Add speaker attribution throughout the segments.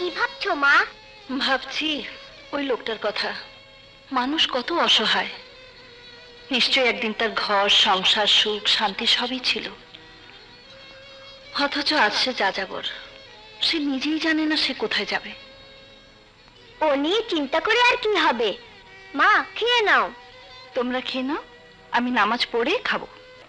Speaker 1: ভাবছো মা?
Speaker 2: ভাবছি ওই লোকটার কথা। মানুষ কত অসহায়। নিশ্চয়ই একদিন তার ঘর, সংসার, সুখ, শান্তি সবই ছিল, অথচ আজ সে যাযাবর। সে নিজেই জানে না সে কোথায় যাবে।
Speaker 1: ও নিয়ে চিন্তা করে আর কি হবে? মা, খেয়ে নাও।
Speaker 2: তোমরা খেয়ে নাও, আমি নামাজ পড়ে খাবো।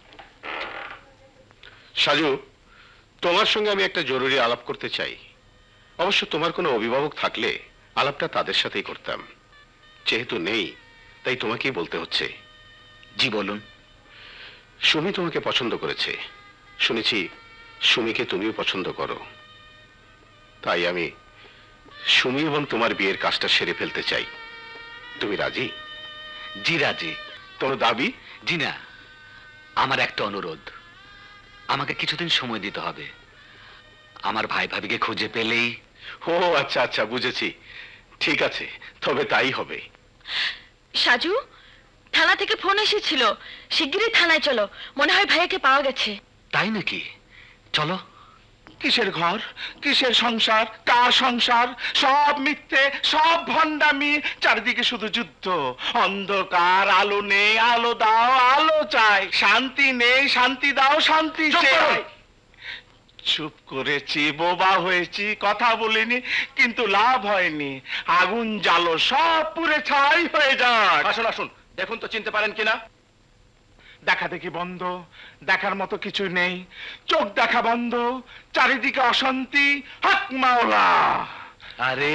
Speaker 3: সাজু, তোমার সঙ্গে আমি একটা জরুরি আলাপ করতে চাই। অবশ্য তোমার কোনো অভিভাবক থাকলে আলাপটা তাদের সাথেই করতাম, যেহেতু নেই তাই তোমাকেই বলতে হচ্ছে।
Speaker 4: জি বলুন।
Speaker 3: সুমি তোমাকে পছন্দ করেছে, শুনেছি সুমিকে তুমিও পছন্দ করো। তাই আমি সুমি এবং তোমার বিয়ের কাজটা সেরে ফেলতে চাই। তুমি রাজি?
Speaker 4: জি রাজি।
Speaker 3: তোমার দাবি?
Speaker 4: জি না, আমার একটা অনুরোধ। আমাকে কিছুদিন সময় দিতে হবে। আমার ভাই ভাবিকে খুঁজে পেলেই।
Speaker 3: ও আচ্ছা আচ্ছা, বুঝেছি। ঠিক আছে, তবে তাই হবে।
Speaker 2: সাজু, থানা থেকে ফোন এসেছিল, শিগগিরই থানায় চলো, মনে হয় ভাইয়াকে পাওয়া গেছে।
Speaker 4: তাই নাকি? চলো।
Speaker 5: কিসের ঘর, কিসের সংসার, কার সংসার? সব মিথ্যে, সব ভণ্ডামি, চারিদিকে শুধু যুদ্ধ। অন্ধকার, আলো নেই, আলো দাও, আলো চাই। শান্তি নেই, শান্তি দাও, শান্তি চাই। চুপ করেছি, বোবা হয়েছি, কথা বলিনি, কিন্তু লাভ হয়নি। আগুন জ্বালো, সব পুড়ে ছাই হয়ে যায়।
Speaker 3: আসুন আসুন, দেখুন তো চিনতে পারেন কিনা।
Speaker 5: দেখা দেখি বন্ধ, দেখার মতো কিছু নেই। চোখ দেখা বন্ধ, চারিদিকে অশান্তি। হক মাওলা!
Speaker 4: আরে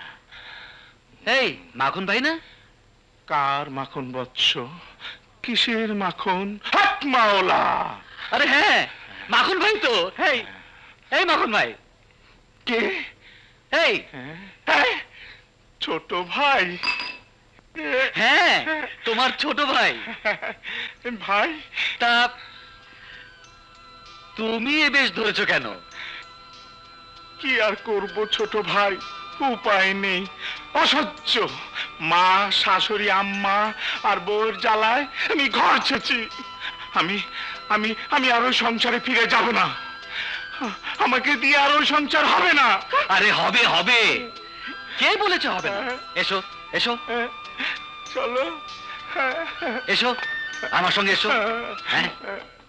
Speaker 4: এই মাখন ভাই না?
Speaker 5: কার মাখন বৎস? কিসের মাখন? হক মাওলা!
Speaker 4: আরে হ্যাঁ, মাখন ভাই তো। এই এই মাখন ভাই।
Speaker 5: কে?
Speaker 4: এই
Speaker 5: হ্যাঁ, ছোট ভাই।
Speaker 4: হ্যাঁ, তোমার ছোট ভাই।
Speaker 5: ভাই,
Speaker 4: তা তুমি এ বেশ ধরেছো কেন?
Speaker 5: কি আর করব ছোট ভাই, উপায় নেই। অসহ্য মা, শাশুড়ি, আম্মা আর বউর জ্বালায় আমি ঘর ছেছি। আমি আমি আমি আর ওই সংসারে ফিরে যাব না। আমাকে দিয়ে আর ওই সংসার হবে না।
Speaker 4: আরে হবে হবে, কে বলেছে হবে না? এসো এসো
Speaker 5: চলো।
Speaker 4: এসো, আমার সঙ্গে এসো। হ্যাঁ